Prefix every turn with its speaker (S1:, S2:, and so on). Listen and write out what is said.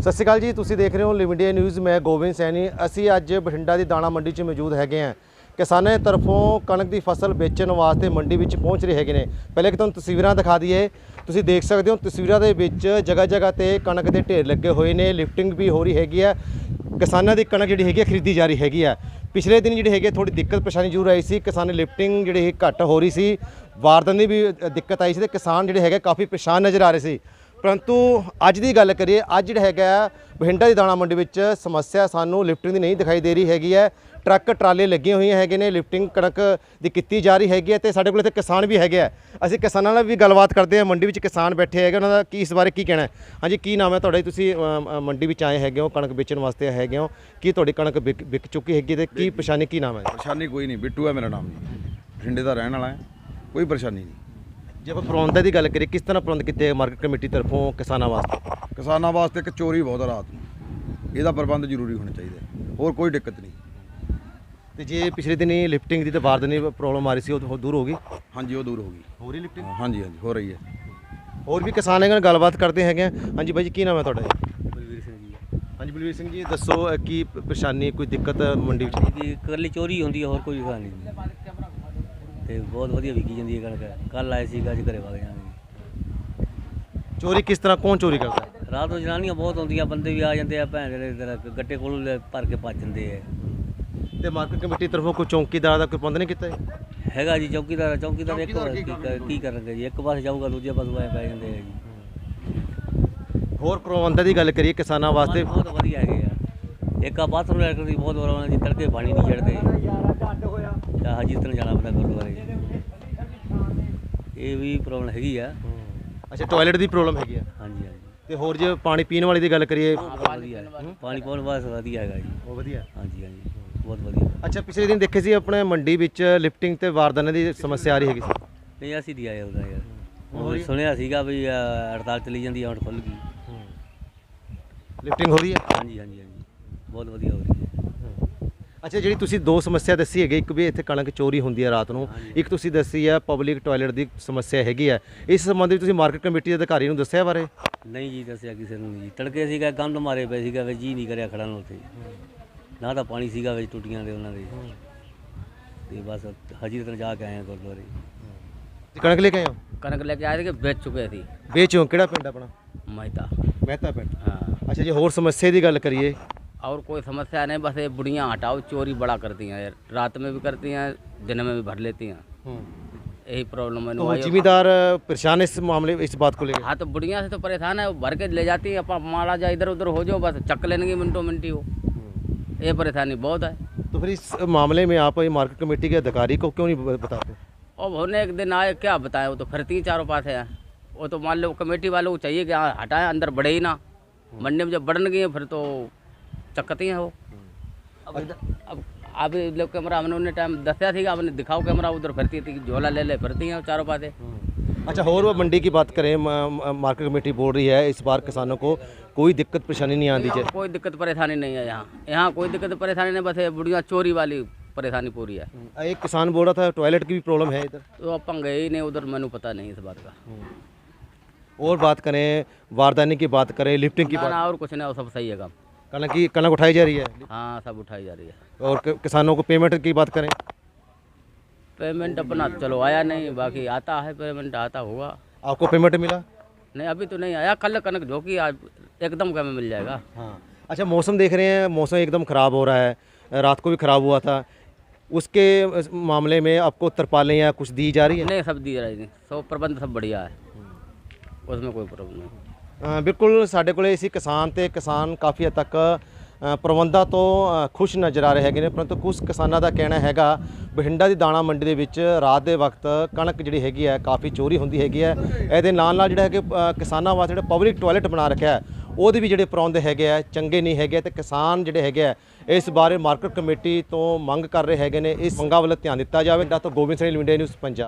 S1: ਸਤਿ ਸ਼੍ਰੀ ਅਕਾਲ ਜੀ, ਤੁਸੀਂ ਦੇਖ ਰਹੇ ਹੋ ਲਿਵ ਇੰਡੀਆ ਨਿਊਜ਼। ਮੈਂ ਗੋਬਿੰਦ ਸੈਣੀ। ਅਸੀਂ ਅੱਜ ਬਠਿੰਡਾ ਦੀ ਦਾਣਾ ਮੰਡੀ 'ਚ ਮੌਜੂਦ ਹੈਗੇ ਹਾਂ। ਕਿਸਾਨਾਂ ਦੀ ਤਰਫੋਂ ਕਣਕ ਦੀ ਫਸਲ ਵੇਚਣ ਵਾਸਤੇ ਮੰਡੀ ਵਿੱਚ ਪਹੁੰਚ ਰਹੇ ਹੈਗੇ ਨੇ। ਪਹਿਲੇ ਕਿ ਤੁਹਾਨੂੰ ਤਸਵੀਰਾਂ ਦਿਖਾ ਦਈਏ। ਤੁਸੀਂ ਦੇਖ ਸਕਦੇ ਹੋ ਤਸਵੀਰਾਂ ਦੇ ਵਿੱਚ ਜਗ੍ਹਾ ਜਗ੍ਹਾ ਤੇ ਕਣਕ ਦੇ ਢੇਰ ਲੱਗੇ ਹੋਏ ਨੇ। ਲਿਫਟਿੰਗ ਵੀ ਹੋ ਰਹੀ ਹੈਗੀ ਹੈ। ਕਿਸਾਨਾਂ ਦੀ ਕਣਕ ਜਿਹੜੀ ਹੈਗੀ ਹੈ ਖਰੀਦੀ ਜਾ ਰਹੀ ਹੈਗੀ ਹੈ। ਪਿਛਲੇ ਦਿਨ ਜਿਹੜੀ ਹੈਗੀ ਥੋੜੀ ਦਿੱਕਤ ਪਰੇਸ਼ਾਨੀ ਜ਼ਰੂਰ ਆਈ ਸੀ। ਕਿਸਾਨ ਲਿਫਟਿੰਗ ਜਿਹੜੀ ਘੱਟ ਹੋ ਰਹੀ ਸੀ, ਵਾਰਦਾਤ ਦੀ ਵੀ ਦਿੱਕਤ ਆਈ ਸੀ ਤੇ ਕਿਸਾਨ ਜਿਹੜੇ ਹੈਗੇ ਕਾਫੀ ਪਰੇਸ਼ਾਨ ਨਜ਼ਰ ਆ ਰਹੇ ਸੀ। परंतु अज की गल करिए, अज जो है बठिंडा की दाणा मंडी में समस्या सानू लिफ्टिंग की नहीं दिखाई दे रही हैगी है। ट्रक ट्राले लगे हुए हैं ने, लिफ्टिंग कणक की की जा रही हैगी है। तो साढ़े को किसान भी है। असीं किसानों नाल भी गलबात करते हैं। मंडी में किसान बैठे है, उन्होंने की इस बारे की कहना है। हाँ जी, की नाम है तुहाडा? तुसीं मंडी में आए हैगे हो, कणक बेचण वास्ते हैगे हो, की तुहाडी कणक विक चुकी हैगी ते की परेशानी, की नाम है?
S2: परेशानी कोई नहीं, बिट्टू है मेरा नाम जी, बठिंडे का रहने वाला है, कोई परेशानी नहीं।
S1: जे आप प्रबंधों की गल करिए, किस तरह प्रबंध किए मार्केट कमेटी तरफों किसानों वास्ते?
S2: किसानों वास्ते एक चोरी बहुत है रात में, यदा प्रबंध जरूरी होने चाहिए, और कोई दिक्कत नहीं।
S1: तो जे पिछले दिन ही लिफ्टिंग की तो वारदात की प्रॉब्लम आ रही थी, वो दूर होगी?
S2: हाँ जी, वो दूर होगी।
S1: हो रही लिफ्टिंग?
S2: हाँ जी, हाँ जी, हो रही है।
S1: और भी किसान है, गलबात करते हैं। हाँ जी भाई जी, की नाम है तुहाडा?
S3: बलवीर सिंह जी।
S1: हाँ जी बलवीर सिंह जी, दसो की परेशानी, कोई दिक्कत मंडी में?
S3: करली चोरी होती है, और कोई गल नहीं। तो बहुत वधिया विकी जाती है कणक। कल आए सी, अज घरे वग जाएंगे।
S1: चोरी किस तरह, कौन चोरी करता है?
S3: रात को जनानियां बहुत आउंदियां, बंदे भी आ जाते हैं, भैन जेह्ड़े गट्टे कोल भर के भज जाते हैं।
S1: तो मार्केट कमेटी तरफों कोई चौकीदार का कोई प्रबंध नहीं किया
S3: हैगा जी? चौकीदार एक की करनगे जी, एक पास जाऊगा दूजे पास आए पै जाते हैं जी।
S1: होर प्रबंधों की गल करिए किसानों वास्ते?
S3: बहुत वधिया है। एक आ बाथरूम लैटर की बहुत प्रॉब्लम जी, तड़के पानी नहीं चढ़ते, हाजीतन जाना पैंदा गुरुद्वारे। ये भी प्रॉब्लम हैगी है।
S1: अच्छा, टॉयलेट की प्रॉब्लम हैगी है?
S3: हाँ जी, हाँ जी।
S1: तो होर जो पानी पीने वाली की गल करिए?
S3: पानी पाने वास्ते वधिया है जी।
S1: वो वधिया?
S3: हाँ जी, हाँ जी, बहुत वधिया।
S1: अच्छा, पिछले दिन देखे सी अपने मंडी विच लिफ्टिंग ते वारदात की समस्या आ रही हैगी सी?
S3: नहीं, असीं नहीं आए उधर यार। ਹੁਣ ਸੁਣਿਆ ਸੀਗਾ ਵੀ ਹੜਤਾਲ ਚਲੀ ਜਾਂਦੀ ਹੈ, ਹੁਣ ਖੁੱਲ ਗਈ।
S1: ਲਿਫਟਿੰਗ ਹੋ ਰਹੀ ਹੈ?
S3: ਹਾਂਜੀ, ਹਾਂਜੀ, ਹਾਂਜੀ, ਬਹੁਤ ਵਧੀਆ ਹੋ ਰਹੀ ਹੈ।
S1: ਅੱਛਾ, ਜਿਹੜੀ ਤੁਸੀਂ ਦੋ ਸਮੱਸਿਆ ਦੱਸੀ ਹੈਗੀ, ਇੱਕ ਵੀ ਇੱਥੇ ਕਣਕ ਚੋਰੀ ਹੁੰਦੀ ਹੈ ਰਾਤ ਨੂੰ, ਇੱਕ ਤੁਸੀਂ ਦੱਸੀ ਹੈ ਪਬਲਿਕ ਟਾਇਲਟ ਦੀ ਸਮੱਸਿਆ ਹੈਗੀ ਹੈ। ਇਸ ਸੰਬੰਧੀ ਤੁਸੀਂ ਮਾਰਕੀਟ ਕਮੇਟੀ ਦੇ ਅਧਿਕਾਰੀ ਨੂੰ ਦੱਸਿਆ ਬਾਰੇ?
S3: ਨਹੀਂ ਜੀ, ਦੱਸਿਆ ਕਿਸੇ ਨੂੰ ਨਹੀਂ ਜੀ। ਤੜਕੇ ਸੀਗਾ, ਗੰਦ ਮਾਰੇ ਪਏ ਸੀਗਾ, ਵੀ ਜੀ ਨਹੀਂ ਕਰਿਆ ਖੜਨ ਨੂੰ ਉੱਥੇ। ਨਾ ਤਾਂ ਪਾਣੀ ਸੀਗਾ ਵਿੱਚ ਟੁੱਟੀਆਂ ਦੇ ਉਹਨਾਂ ਦੇ, ਤੇ ਬਸ ਹਾਜੀਰਤਨ ਜਾ ਕੇ ਆਏ ਹਾਂ ਗੁਰਦੁਆਰੇ।
S1: कणक लेके आए हो?
S4: कनक लेके आए थे कि बेच चुके थे।
S1: बेचो? किहड़ा पिंड अपना?
S4: मैता।
S1: महता पिंड।
S4: हाँ।
S1: अच्छा जी, होर समस्या की गल करिए?
S4: और कोई समस्या नहीं, बस ये बुढ़ियाँ हटाओ, चोरी बड़ा करती हैं यार, रात में भी करती हैं, दिन में भी भर लेती हैं। यही प्रॉब्लम है।
S1: तो जिम्मेदार परेशान इस मामले, इस बात को लेकर?
S4: हाँ, तो बुढ़िया से तो परेशान है, वो भर के ले जाती हैं, अपना मारा जाए इधर उधर हो जाओ, बस चक लेंगे मिनटों मिनटी वो। ये परेशानी बहुत है।
S1: तो फिर इस मामले में आप मार्केट कमेटी के अधिकारी को क्यों नहीं बताते?
S4: और होने एक दिन आए, क्या बताएं, वो तो फिरती ही चारों पास है। वो तो मान लो कमेटी वालों को चाहिए कि हाँ हटाएं, अंदर बढ़े ही ना। मंडी में जब बढ़न गई फिर तो चक्कती हैं वो। अब अभी लोग कैमरा हमने उन्हें टाइम दसिया थी, आपने दिखाओ कैमरा, उधर फिरती थी, झोला ले ले फिरती हैं चारों पासे।
S1: अच्छा, और वो मंडी की बात करें, मार्केट कमेटी बोल रही है इस बार किसानों को कोई दिक्कत परेशानी नहीं आती है?
S4: कोई दिक्कत परेशानी नहीं है यहाँ कोई दिक्कत परेशानी नहीं, बस ये बुढ़िया चोरी वाली परेशानी पूरी है।
S1: एक किसान बोल रहा था टॉयलेट की भी प्रॉब्लम है इधर।
S4: तो अपन गए ही नहीं उधर, मैंने पता नहीं इस बात का।
S1: और बात करें वारदानी की, बात करें लिफ्टिंग की बात?
S4: और कुछ नहीं, और सब सही है काम।
S1: कणक उठाई जा रही है?
S4: हाँ, सब उठाई जा रही है।
S1: और किसानों को पेमेंट की बात करें?
S4: पेमेंट अपना चलो आया नहीं, बाकी आता है पेमेंट, आता होगा।
S1: आपको पेमेंट मिला?
S4: नहीं, अभी तो नहीं आया। कल कनक झोंकी, आज एकदम क्या में मिल जाएगा।
S1: हाँ। अच्छा, मौसम देख रहे हैं, मौसम एकदम ख़राब हो रहा है, रात को भी ख़राब हुआ था, उसके मामले में आपको तरपालें या कुछ दी जा रही है?
S4: नहीं, सब दी जा रही है, सब प्रबंध सब बढ़िया है, उसमें कोई प्रॉब्लम नहीं।
S1: बिल्कुल साढ़े कोले इसी किसान काफ़ी हद तक ਪ੍ਰਬੰਧਾਂ ਤੋਂ ਖੁਸ਼ ਨਜ਼ਰ ਆ ਰਹੇ ਹੈਗੇ ਨੇ, ਪਰੰਤੂ ਕੁਝ ਕਿਸਾਨਾਂ ਦਾ ਕਹਿਣਾ ਹੈਗਾ ਬਠਿੰਡਾ ਦੀ ਦਾਣਾ ਮੰਡੀ ਦੇ ਵਿੱਚ ਰਾਤ ਦੇ ਵਕਤ ਕਣਕ ਜਿਹੜੀ ਹੈਗੀ ਹੈ ਕਾਫੀ ਚੋਰੀ ਹੁੰਦੀ ਹੈਗੀ ਹੈ। ਇਹਦੇ ਨਾਲ ਜਿਹੜਾ ਹੈਗੇ ਕਿਸਾਨਾਂ ਵਾਸਤੇ ਜਿਹੜਾ ਪਬਲਿਕ ਟਾਇਲਟ ਬਣਾ ਰੱਖਿਆ ਉਹਦੇ ਵੀ ਜਿਹੜੇ ਪ੍ਰਬੰਧ ਹੈਗੇ ਆ ਚੰਗੇ ਨਹੀਂ ਹੈਗੇ, ਤੇ ਕਿਸਾਨ ਜਿਹੜੇ ਹੈਗੇ ਆ ਇਸ ਬਾਰੇ ਮਾਰਕੀਟ ਕਮੇਟੀ ਤੋਂ ਮੰਗ ਕਰ ਰਹੇ ਹੈਗੇ ਨੇ ਇਸ ਮੰਗਾਂ ਵੱਲ ਧਿਆਨ ਦਿੱਤਾ ਜਾਵੇ। ਤਾਂ Gobind Singh, live India news, Punjab.